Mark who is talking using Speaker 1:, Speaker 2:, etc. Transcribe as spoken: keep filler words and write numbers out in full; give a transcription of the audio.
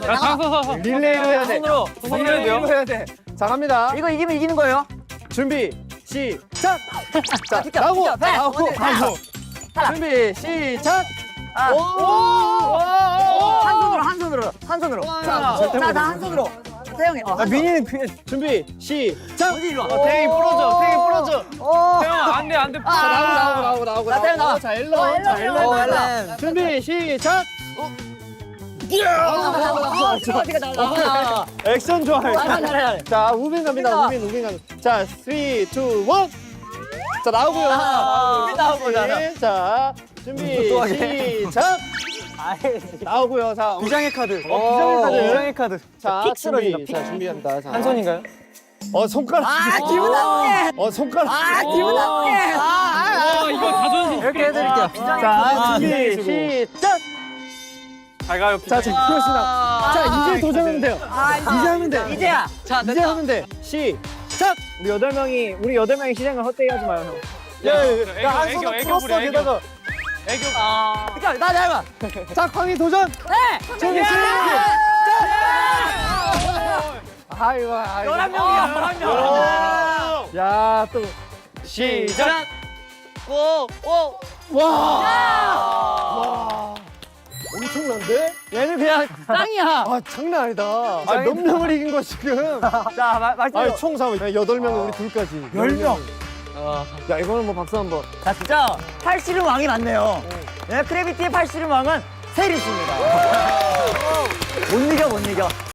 Speaker 1: 야, 장서서
Speaker 2: 릴레이로 해야 돼.
Speaker 1: 손으로 손으로 해야
Speaker 2: 릴레이로
Speaker 1: 돼요.
Speaker 2: 해야 돼. 자, 갑니다.
Speaker 3: 이거 이기면 이기는 거예요.
Speaker 2: 준비, 시작! 자,
Speaker 3: 비켜,
Speaker 2: 나오고,
Speaker 3: 비켜, 배.
Speaker 2: 나오고,
Speaker 3: 어디,
Speaker 2: 나오고.
Speaker 3: 탈락.
Speaker 2: 준비, 시작!
Speaker 3: 아.
Speaker 2: 오!
Speaker 3: 한 손으로 한 손으로 한 손으로. 자, 자, 다 한 손으로. 태영이. 어,
Speaker 2: 아, 민이는 그, 준비, 시작!
Speaker 3: 어디 일로 와.
Speaker 1: 어, 태영이 부러져. 태영이 부러져.
Speaker 3: 오.
Speaker 1: 태영아, 안 돼, 안 돼.
Speaker 2: 자, 나오고, 나오고, 나오고, 나오고.
Speaker 3: 나 태영 나와.
Speaker 2: 자, 일로,
Speaker 3: 어,
Speaker 2: 자,
Speaker 3: 일로,
Speaker 2: 일로.
Speaker 3: 일로, 일로.
Speaker 2: 준비, 시작!
Speaker 3: 어, 어디가 나와.
Speaker 2: 액션 좋아요.
Speaker 3: 잘해, 잘해.
Speaker 2: 자, 우빈 갑니다. 우빈, 우빈 갑니다. 자, 삼, 이, 일. 자, 나오고요.
Speaker 3: 아, 우빈 나오고,
Speaker 2: 우빈. 자, 준비,
Speaker 3: 또 하게.
Speaker 2: 시작! 나오고요. 자,
Speaker 1: 비장의 카드.
Speaker 2: 어, 비장의 카드.
Speaker 1: 비장의 카드.
Speaker 2: 자,
Speaker 3: 픽
Speaker 2: 준비.
Speaker 3: 쓰러진다,
Speaker 2: 자, 준비합니다. 자.
Speaker 1: 한 손인가요?
Speaker 2: 어, 손가락.
Speaker 3: 아, 기분 나쁘게.
Speaker 2: 어, 손가락.
Speaker 3: 아, 기분 나쁘게. 아, 아,
Speaker 1: 어, 이거 자존심.
Speaker 3: 이렇게 해드릴게요.
Speaker 2: 자, 준비, 시작!
Speaker 1: 잘 가요.
Speaker 2: 자, 지금 그렇습니다. 자, 이제 도전하면 돼요.
Speaker 3: 아,
Speaker 2: 이제 하면 돼.
Speaker 3: 이제야. 자,
Speaker 2: 이제 하면 돼. 시작!
Speaker 4: 우리 여덟 명이 우리 여덟 명이 시장을 헛되게 하지 마요 형.
Speaker 2: 야,
Speaker 1: 애교,
Speaker 2: 야, 한
Speaker 1: 애교,
Speaker 2: 손으로
Speaker 1: 애교
Speaker 2: 풀었어,
Speaker 1: 부려, 애교.
Speaker 2: 게다가.
Speaker 1: 애교.
Speaker 3: 그러니까 나 닮아.
Speaker 2: 자, 광희 도전!
Speaker 3: 네.
Speaker 2: 준비, 시작! 아이고, 아이고.
Speaker 3: 열한 명이야, 열한 명.
Speaker 2: 야, 또.
Speaker 1: 시작.
Speaker 3: 오, 오.
Speaker 2: 와! 와! 엄청난데?
Speaker 3: 얘는 그냥 짱이야.
Speaker 2: 아, 장난 아니다. 아, 몇 명을 이긴 거 지금?
Speaker 3: 자, 마, 말씀.
Speaker 2: 아, 총 삼, 여덟 명 우리 둘까지.
Speaker 3: 열 명.
Speaker 2: 야, 이거는 뭐 박수 한 번.
Speaker 3: 자, 진짜 팔씨름 왕이 맞네요. 네, 크래비티의 팔씨름 왕은 세리스입니다. 못 이겨, 못 이겨.